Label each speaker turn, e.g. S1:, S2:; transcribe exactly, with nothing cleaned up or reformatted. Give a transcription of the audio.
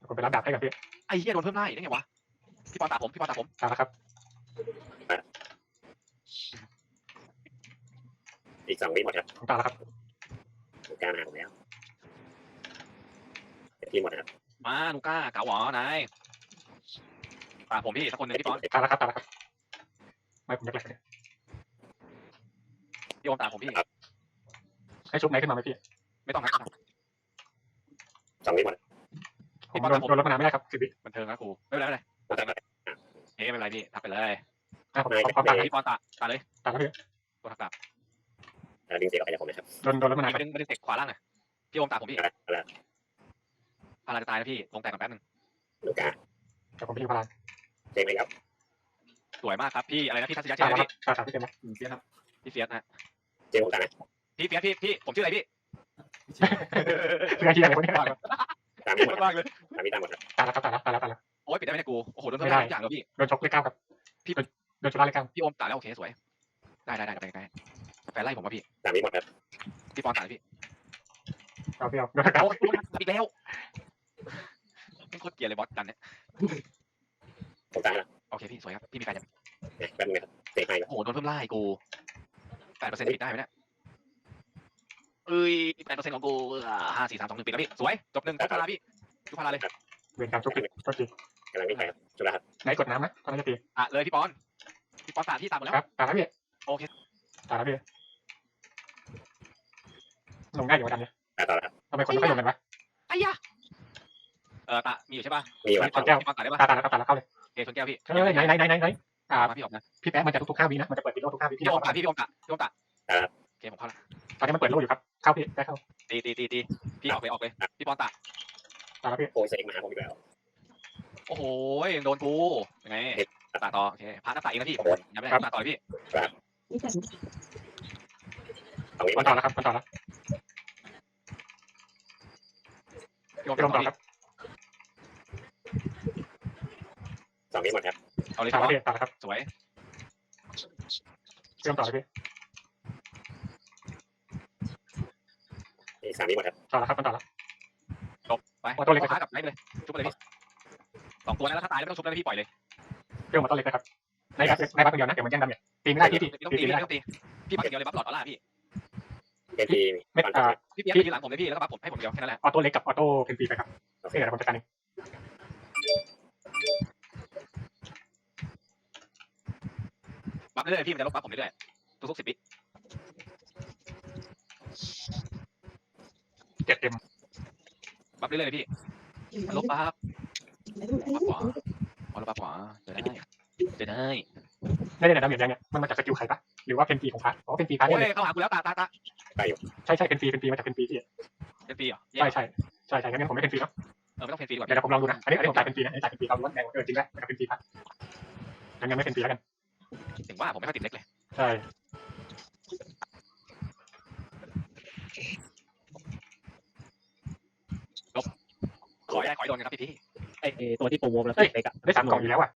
S1: ผมไปรับดาบให้กับพี่
S2: ไอ้เหี้ยโดนเพิ่มไล่ได้ไงวะพี่ปอนตาผมพี่ปอนตาผม
S1: ตามแล้วครับ
S3: อีกสองวิหมดครับ
S1: ผมตามแล้วครับ
S3: ลูก้ามาผมแล้วพี่หมดนะครับ
S2: มาลูก้าเก๋าหวอนายตาผมพี่สักคนหนึ่งพี่ปอน
S1: ตามแล้วครับตามแล้วครับไม่ผมแรกๆเนี่ย
S2: พี่โอมตาผมพี่
S1: ให้ชุบไหนขึ้นมาไหมพี่
S2: ไม่ต้องนะ
S3: สองวิหมด
S1: ผมโดนโดนรถมานานไม่ได้ครับสิบวิ
S2: บันเทิงนะครูไม่เป็นไรไม่เป็นไรเฮ้ยไม่เป็นไรพี่ทักไปเลย
S1: อ่ะผมพร้อมตาม
S2: พี่ปอนตาตาเลย
S1: ตามแล้วพี่
S2: ตัวทักตา
S3: ดึงเสียงออกไปจากผมนะครับ
S1: โดนโดนรถมานาน
S2: ไม่ดึงไม่ดึงเตะขวาล่างอ่ะพี่โอมตาผมพี่
S3: อะไร
S2: พาราจะตายนะพี่ลงแตกกันแป๊บนึง
S3: ลูก้า
S1: แต่ผมพี่พลาน
S3: เจ๊งไหมครับ
S2: สวยมากครับพี่อะไรนะพี่ทัศยะ
S1: ตาม
S2: เจ๊
S1: แล้วค
S2: พี่
S1: รับตามพี่เต็มแล้ว
S2: เฟียสครับพี่เฟียสนะ
S3: เจ๊งผมตานะ
S2: พี่เฟียสพี่พี่ผมชื่ออะไรพี่
S1: เรื่องที่อะไรพวกนี้
S3: ตามพี่หมด
S2: มากเลย
S3: ตามพี่ตามหมดครับ
S1: ตามแล้วครับตามแล้วตามแล้วตามแล้ว
S2: โอ๊ยปิดได้ไหมเนี่ยกูโอ้โหโดนเพิ่มได้ทุกอย่างเลยพี่
S1: โดนชกเลขเก้าครับพี่โดนชุดล่าเลขเก้า
S2: พี่โอมตาแล้วโอเคสวยได้ได้ได้ได้ได้แฟนไล่ผมว่าพี่
S3: ตามพี่หมดครับ
S2: พี่ปอนตาพี่
S1: เอาพี่เอาโดนเก้า
S2: โอ้ยอีกแล้วไม่โคตรเกลียดเลยบอสดันเนี่ย
S3: ผมตายแล้ว
S2: โอเคพี่สวยครับพี่มีแฟนยัง
S3: แป๊บนึงนะครับเตะให้ครับ
S2: โอ้โหโดนเพิ่มไล่กูแปดเปอร์เซ็นต์ปิดได้ไหมเนี่ยเอ้ยแปดเปอร์เซ็นต์ของกูห้าสี่สามสองหนึ่งปิดแล้วพี่สวยจบหนึ่งทุกพาราพี่ทุกพาราเลย
S1: เวรกรรมชุบผิดโทษที
S3: กำลังวิ่งไปครับจุฬาครับ
S1: ไหนกดน้ำนะตอนนี้จะตี
S2: อ่ะเลยพี่ปอนพี่ปอนตาพี่ตามหมดแล้ว
S1: ครับตามแล้วพี่
S2: โอเค
S1: ตามแล้วพี่ลงได้อยู่กันเนี่ย
S3: ตาต่อแล้วครับ
S1: ทำไมคนไม่ค่อยลงกันวะ
S2: ไอ้ยะเออตามีอยู่ใช่ป่ะ
S3: มีอยู่ครับ
S2: พี่ปอนตาได้ป่ะ
S1: ตาตาแล้วตาแล้วเข้าเลย
S2: เอชนแก้วพี่
S1: เฮ้ยไหนไหนไหนไหนไหนอ่า
S2: มาพี่ออกนะ
S1: พี่แป๊ะมันจะทุกๆห้าวินะมันจะเปิดปิดโลทุกห้าวิ
S2: พี่
S1: พี่
S2: โอมตาพี่พี่โอมตาพี่โอมตาโอเคผมเข้าละ
S1: ตอนนี้มันเปิดโลอยู่ครับเข้าพี่ได้เข้า
S2: ตีตีตีตีพี่ออกเลยออกเลยพี่ปอนตา
S1: ตามแล้วพี่
S3: โอ้ยเซ็งมาผมอีกแล้ว
S2: โอ้โหโดนกูยังไงตาต่อโอเคพาหน้าตาเองนะพี่ยังไม่ได้ตาต่อเลยพี่
S3: สองวิหม
S1: มั
S3: ด
S1: นต่อแล้วครับมันต่อแล้ว
S2: พี่โอม
S1: พี่ลงต่อครับ
S3: สองวิหมดครับ
S2: เอาเลย
S1: ตาม
S2: พี่
S1: แล้วพี่ตามแล้วครับ
S2: สวย
S1: พี่ลงต่อเลยพี่
S3: อีกสามวิหมดครับ
S1: ต่อแล้วครับมันต่อแล้ว
S2: จบไปขากับไล่เลยชุบไปเลยพี่สองตัวนั้นแล้วถ้าตายไม่ต้องชุบแล้วพี่ปล่อยเลย
S1: พี่ลงมาต้นเล็กนะครับในบัฟในบัฟคนเดียวนะเดี๋ยวมันแย่งดาเมจตีไม่ได้พี่ตี
S2: ต้อง
S1: ตี
S2: ตี
S1: ตีไม่ได้
S2: ต้องตีพี่ปักเดียวเลยบัฟหลอดออร่าพี่
S3: เป็นที
S1: เม็ดอ่า
S2: พี่เปียกทีหลังผมเลยพี่แล้วก็บัฟผมให้ผมเดียวแค่นั้นแหละ
S1: ออโต้เล็กกับออโต้เพนฟีไปครับโอเคเดี๋ยวผมจัดการเอง
S2: บัฟเรื่อยๆพี่มันจะลบบัฟผมเรื่อยๆทุกๆสิบวิ
S1: เจ็ดเต็ม
S2: บัฟเรื่อยๆเลยพี่ลบบัฟบัฟขวาเอาลบบัฟขวาจะได้จะได้
S1: ได้ได้ดาเมจยังเนี่ยมันมาจากสกิลใครปะหรือว่าเพนฟีของพาร์ทอ๋อเพนฟีพาร์ท
S2: โอ้
S1: เนี่ย
S2: ยเข้าหากูแล้วตาตาตา
S1: ใช่ใช่เพนฟีเพนฟีมาจากเพนฟีพี่
S2: เป็นปีเหรอ
S1: ใช่ใช่ใช่ใช่งั้นผมไม่เพนฟีเนาะ
S2: เออไม่ต้องเพนฟรีก่อน
S1: เดี๋ยวผมลองดูนะอันนี้อันนี้ผมจ่ายเพนฟีนะอันนี้จ่ายเพนฟีเขาล้วนแดงเออจริงแล้วมันจะเพนฟีพาร์ทงั้นยังไม่เพนฟีแล้วกัน
S2: ถึงว่าผมไม่ค่อยติดเล็กเลย
S1: ใช่
S2: ขอได้ขอโดนกันครับพี่พี่
S4: ไอตัวที่โปรโมทแล้วเล็กอะ
S1: ได้สามกล่องอยู่แล้วอ่ะ